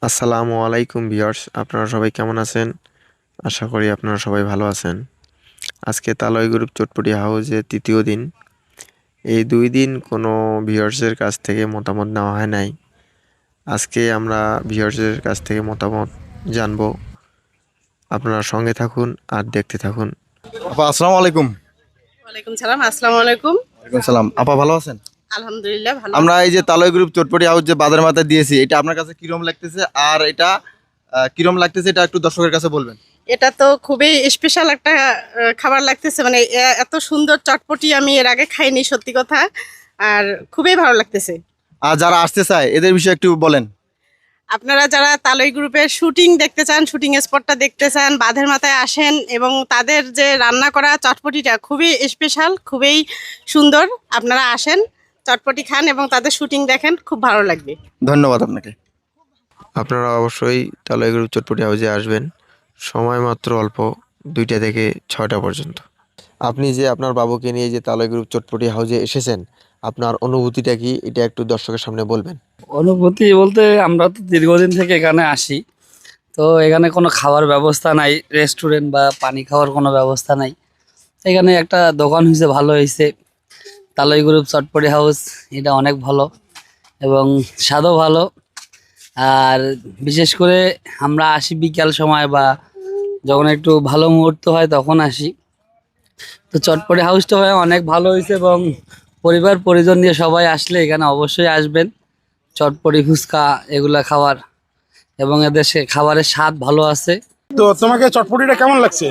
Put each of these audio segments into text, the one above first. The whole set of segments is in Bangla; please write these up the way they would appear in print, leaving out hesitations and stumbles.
আসসালামু আলাইকুম ভিউয়ার্স, আপনারা সবাই কেমন আছেন? আশা করি আপনারা সবাই ভালো আছেন। আজকে তালয় গ্রুপ চটপটি হাউসে তৃতীয় দিন। এই 2 দিন কোনো ভিউয়ার্সের কাছ থেকে মতামত নেওয়া হয় নাই। আজকে আমরা ভিউয়ার্সের কাছ থেকে মতামত জানবো। আপনারা সঙ্গে থাকুন আর দেখতে থাকুন। আপা আসসালামু আলাইকুম। ওয়ালাইকুম সালাম। আসসালামু আলাইকুম। ওয়ালাইকুম সালাম। আপা ভালো আছেন? আলহামদুলিল্লাহ ভালো আমরা আছি। এই যে তালয় গ্রুপ চটপটি হাউস যে বাজার মাথায় দিয়েছি, এটা আপনার কাছে কিরম লাগতেছে? আর এটা কিরম লাগতেছে এটা একটু দর্শকের কাছে বলবেন। এটা তো খুবই স্পেশাল একটা খাবার লাগতেছে, মানে এত সুন্দর চটপটি আমি এর আগে খাইনি, সত্যি কথা। আর খুবই ভালো লাগতেছে। আর যারা আসতে চায় এদের বিষয়ে একটু বলেন। আপনারা যারা তালই গ্রুপের শুটিং দেখতে চান, শুটিং স্পটটা দেখতে চান, বাঁধের মাথায় আসেন এবং তাদের যে রান্না করা চটপটিটা খুবই স্পেশাল, খুবই সুন্দর। আপনারা আসেন, চটপটি খান এবং তাদের শুটিং দেখেন, খুব ভালো লাগবে। ধন্যবাদ আপনাকে। আপনারা অবশ্যই তালয় গ্রুপ চটপটি হাউসে আসবেন। সময় মাত্র অল্প, 2টা থেকে 6টা পর্যন্ত। আপনি যে আপনার বাবুকে নিয়ে যে তালয় গ্রুপ চটপটি হাউসে এসেছেন, আপনার অনুভূতিটা কি? এটা একটু দর্শকের সামনে বলবেন। অনুভূতি বলতে আমরা তো দীর্ঘদিন থেকে এখানে আসি। তো এখানে কোনো খাওয়ার ব্যবস্থা নাই, রেস্টুরেন্ট বা পানি খাওয়ার কোনো ব্যবস্থা নাই। এখানে একটা দোকান হয়েছে, ভালো হয়েছে, তালই গ্রুপ চটপটি হাউস। এটা অনেক ভালো এবং স্বাদও ভালো। আর বিশেষ করে আমরা আসি বিকাল সময় বা যখন একটু ভালো মুহূর্ত হয় তখন আসি। তো চটপটি হাউসটা হয় অনেক ভালো হয়েছে এবং পরিবার পরিজন নিয়ে সবাই আসলে এখানে অবশ্যই আসবেন। চটপটি ফুচকা এগুলা খাওয়ার এবং এদের খাবারের স্বাদ ভালো আছে। তো তোমাকে চটপটিটা কেমন লাগছে?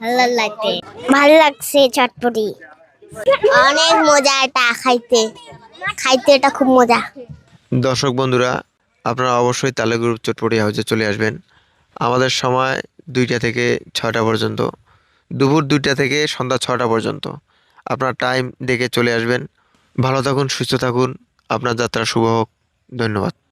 ভালো লাগছে চটপটি, অনেক মজা এটা খাইতে। খাইতে এটা খুব মজা। দর্শক বন্ধুরা, আপনারা অবশ্যই তালয় গ্রুপ চটপটি হাউসে চলে আসবেন। আমাদের সময় 2টা থেকে 6টা পর্যন্ত, দুপুর 2টা থেকে সন্ধ্যা 6টা পর্যন্ত। আপনার টাইম দেখে চলে আসবেন। ভালো থাকুন, সুস্থ থাকুন, আপনার যাত্রা শুভ হোক। ধন্যবাদ।